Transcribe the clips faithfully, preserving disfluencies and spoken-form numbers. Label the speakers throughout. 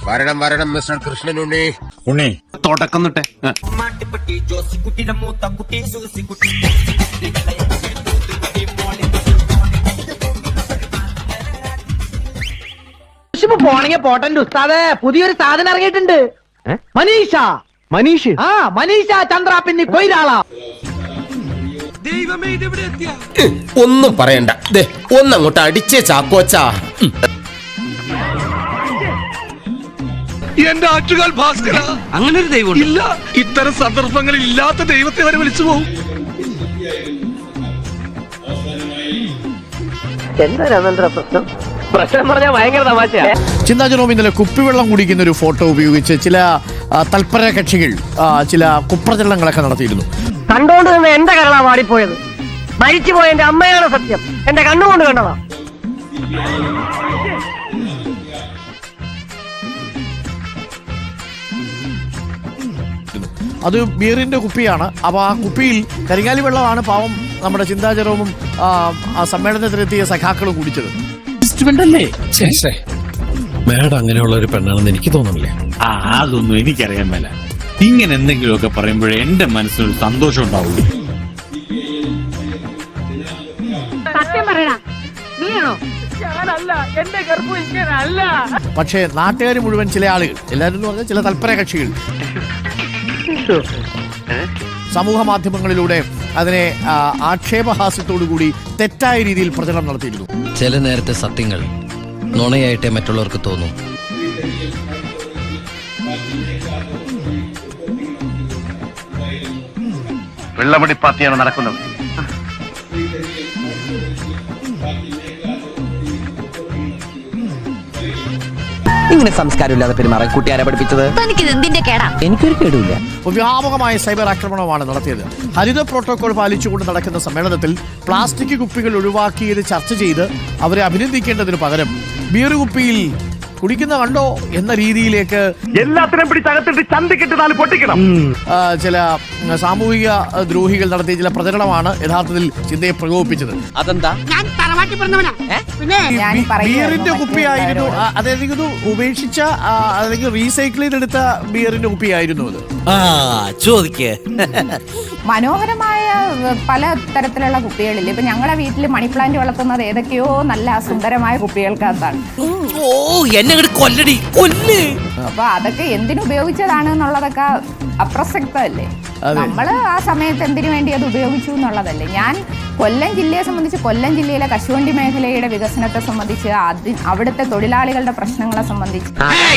Speaker 1: വരണം വരണം മിസ്റ്റർ കൃഷ്ണൻ ഉണ്ണി.
Speaker 2: ഉണ്ണി
Speaker 3: തുടക്കം തൊട്ടേ
Speaker 4: പോണെങ്കിൽ പോട്ടന്റെ ഉസ്താദ് പുതിയൊരു സാധനം ഇറങ്ങിയിട്ടുണ്ട്. മനീഷ
Speaker 5: മനീഷ്
Speaker 4: ആ മനീഷ ചന്ദ്ര പിന്നെ കൊയിരാള.
Speaker 1: ഒന്നും പറയണ്ട, ഒന്നങ്ങോട്ട് അടിച്ചേ ചാക്കോച്ചാ.
Speaker 6: എന്റെ ആറ്റുകാൽ ഭാസ്കര,
Speaker 3: അങ്ങനെ ഒരു ദൈവം
Speaker 6: ഇല്ല, ഇത്തരം സന്ദർഭങ്ങളിൽ ഇല്ലാത്ത ദൈവത്തെ വരെ വിളിച്ചു പോകും.
Speaker 4: എന്താ രാമേന്ദ്ര പ്രശ്നം? പ്രശ്നം പറഞ്ഞാൽ ഭയങ്കര തമാശ.
Speaker 5: ചിന്താ ജെറോം ഇന്നലെ കുപ്പിവെള്ളം കുടിക്കുന്ന ഒരു ഫോട്ടോ ഉപയോഗിച്ച് ചില തൽപര കക്ഷികൾ ചില കുപ്രചരണങ്ങളൊക്കെ നടത്തിയിരുന്നു.
Speaker 4: കണ്ടോണ്ട് നിന്ന് എന്റെ കരളാ വാടിപ്പോയത്. മരിച്ചുപോയ എന്റെ അമ്മയാണ് സത്യം, എന്റെ കണ്ണുകൊണ്ട് കണ്ടതാ.
Speaker 5: അത് ബിയറിന്റെ കുപ്പിയാണ്. അപ്പോൾ ആ കുപ്പിയിൽ കരിങ്ങാലി വെള്ളമാണ് പാവം നമ്മുടെ ചിന്താ ജെറോമും ആ സമ്മേളനത്തിലെത്തിയ സഖാക്കളും കുടിച്ചത്.
Speaker 2: മാഡം അങ്ങനെയുള്ള ഒരു പെണ്ണാണെന്ന് എനിക്ക് തോന്നുന്നില്ലേ.
Speaker 3: ആ അതൊന്നും എനിക്കറിയാൻ മേല. ഇങ്ങനെ എന്തെങ്കിലുമൊക്കെ പറയുമ്പോഴേ എന്റെ മനസ്സിനൊരു സന്തോഷം ഉണ്ടാവുള്ളൂ.
Speaker 4: സത്യം പറയണ നീയാണോ? ഞാനല്ല, എന്റെ ഗർഭം ഇങ്ങനല്ല.
Speaker 5: പക്ഷേ നാട്ടുകാർ മുഴുവൻ, ചില ആളുകൾ, എല്ലാവരും എന്ന് പറഞ്ഞാൽ ചില തൽപര കക്ഷികൾ സമൂഹ മാധ്യമങ്ങളിലൂടെ അതിനെ ആക്ഷേപഹാസ്യത്തോടുകൂടി തെറ്റായ രീതിയിൽ പ്രചരണം നടത്തിയിരുന്നു.
Speaker 7: ചില നേരത്തെ സത്യങ്ങൾ നുണയായിട്ടേ മറ്റുള്ളവർക്ക് തോന്നും.
Speaker 2: വെള്ളമടി പാർട്ടിയാണ് നടക്കുന്നത്.
Speaker 8: ഇങ്ങനെ സംസ്കാരമില്ലാതെ പെരുമാറാൻ കൂട്ടുകാരെ പഠിപ്പിച്ചത് എനിക്കൊരു കേടുമില്ല.
Speaker 5: വ്യാപകമായ സൈബർ ആക്രമണമാണ് നടത്തിയത്. ഹരിത പ്രോട്ടോകോൾ പാലിച്ചുകൊണ്ട് നടക്കുന്ന സമ്മേളനത്തിൽ പ്ലാസ്റ്റിക് കുപ്പികൾ ഒഴിവാക്കിയത് ചർച്ച ചെയ്ത് അവരെ അഭിനന്ദിക്കേണ്ടതിന് പകരം ബിയർ കുപ്പിയിൽ കുടിക്കുന്ന കണ്ടോ എന്ന രീതിയിലേക്ക്
Speaker 6: എല്ലാത്തിനും പിടിച്ചകത്തിട്ട് ചന്തിക്കിട്ട് നാല് പൊട്ടിക്കണം.
Speaker 5: ചില സാമൂഹിക ദ്രോഹികൾ നടത്തിയ ചില പ്രചരണമാണ് യഥാർത്ഥത്തിൽ ചിന്തയെ പ്രകോപിപ്പിച്ചത്.
Speaker 8: അതെന്താ?
Speaker 5: ബിയറിന്റെ കുപ്പിയായിരുന്നു, അതായത് ഉപേക്ഷിച്ച അല്ലെങ്കിൽ റീസൈക്കിൾ ചെയ്തെടുത്ത ബിയറിന്റെ കുപ്പിയായിരുന്നു അത്.
Speaker 8: ചോദിക്കേ
Speaker 9: മനോഹരമായ പല തരത്തിലുള്ള കുപ്പികളിൽ ഇപ്പൊ ഞങ്ങളുടെ വീട്ടിൽ മണി പ്ലാന്റ് വളർത്തുന്നത് ഏതൊക്കെയോ നല്ല സുന്ദരമായ കുപ്പികൾക്കകത്താണ്. അപ്പൊ അതൊക്കെ എന്തിനുപയോഗിച്ചതാണ് എന്നുള്ളതൊക്കെ അപ്രസക്തമല്ലേ. നമ്മള് ആ സമയത്ത് എന്തിനു വേണ്ടി അത് ഉപയോഗിച്ചു എന്നുള്ളതല്ലേ. ഞാൻ കൊല്ലം ജില്ലയെ സംബന്ധിച്ച്, കൊല്ലം ജില്ലയിലെ കശുവണ്ടി മേഖലയുടെ വികസനത്തെ സംബന്ധിച്ച്, അതി അവിടുത്തെ തൊഴിലാളികളുടെ പ്രശ്നങ്ങളെ സംബന്ധിച്ച്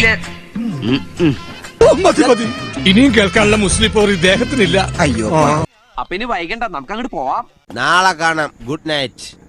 Speaker 6: ഇനിയും കേൾക്കാനുള്ള മുസ്ലിം പോർ ഇദ്ദേഹത്തിനില്ല.
Speaker 8: അപ്പൊ ഇനി വൈകണ്ട, നമുക്ക് അങ്ങോട്ട് പോവാം.
Speaker 1: നാളെ കാണാം. Good night.